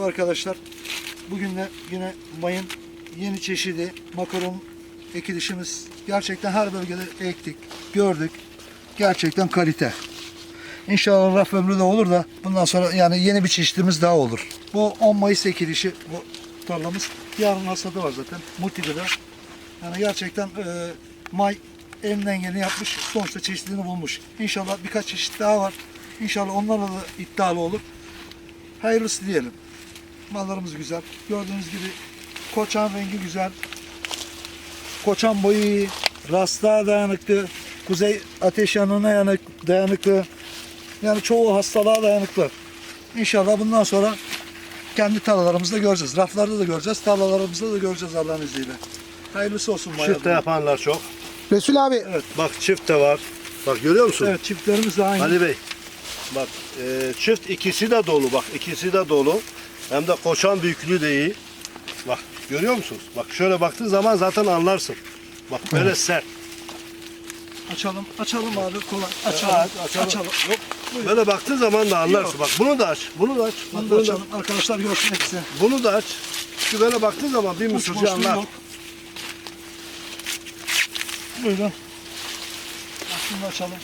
Merhaba arkadaşlar. Bugün de yine mayın yeni çeşidi makaron ekilişimiz. Gerçekten her bölgede ektik, gördük. Gerçekten kalite. İnşallah raf ömrü de olur da bundan sonra yani yeni bir çeşidimiz daha olur. Bu 10 Mayıs ekilişi bu tarlamız. Yarın hasadı var zaten. Multigıda. Yani gerçekten may elinden geleni yapmış. Sonuçta çeşidini bulmuş. İnşallah birkaç çeşit daha var. İnşallah onlarla da iddialı olur. Hayırlısı diyelim. Mallarımız güzel. Gördüğünüz gibi koçan rengi güzel. Koçan boyu iyi. Rastlığa dayanıklı. Kuzey ateş yanına dayanıklı. Yani çoğu hastalığa dayanıklı. İnşallah bundan sonra kendi tarlalarımızda göreceğiz. Raflarda da göreceğiz. Tarlalarımızda da göreceğiz Allah'ın izniyle. Hayırlısı olsun. Çift de yapanlar çok. Resul abi. Evet. Bak çift de var. Bak görüyor musun? Evet, çiftlerimiz de aynı. Ali Bey. Bak çift ikisi de dolu. Bak ikisi de dolu. Hem de koçan büyüklüğü de iyi. Bak görüyor musunuz? Bak şöyle baktığın zaman zaten anlarsın. Bak böyle sert. Açalım abi kolay. Açalım. Evet, açalım. Yok. Böyle baktığın zaman da anlarsın. Yok. Bak bunu da aç. Bunu da aç. Bak, Bunu da açalım. Arkadaşlar görsün hepsi. Bunu da aç. Şu böyle baktığın zaman bir Uç mısırcı boşluğu anlar. yok. Buyurun. Şunu da açalım.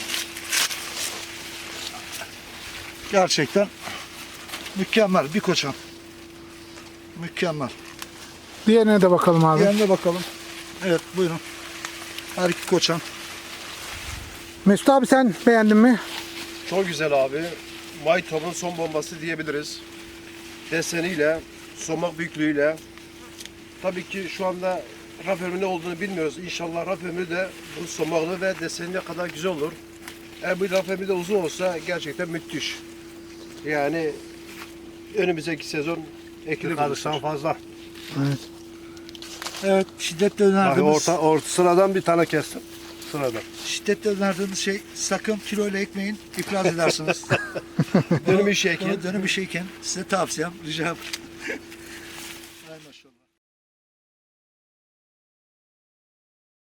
Gerçekten mükemmel bir koçan. Mükemmel. Diğerine de bakalım abi. Diğerine bakalım. Evet buyurun. Her iki koçan. Mesut abi sen beğendin mi? Çok güzel abi. Maytop'un son bombası diyebiliriz. Deseniyle, somak büyüklüğüyle. Tabii ki şu anda raf ömrü ne olduğunu bilmiyoruz. İnşallah raf ömrü de bu somaklı ve desenine kadar güzel olur. Eğer bu raf ömrü de uzun olsa gerçekten müthiş. Yani önümüzdeki sezon ekili Karıştan fazla. Evet. Evet şiddetle Bak önerdiğimiz, orta sıradan bir tane kestim. Sıradan. şiddetle önerdiğimiz şey sakın kiloyla ekmeyin, iflas edersiniz. Dönüm işi ekin. Dönüm işi ekin. Size tavsiyem, ricam.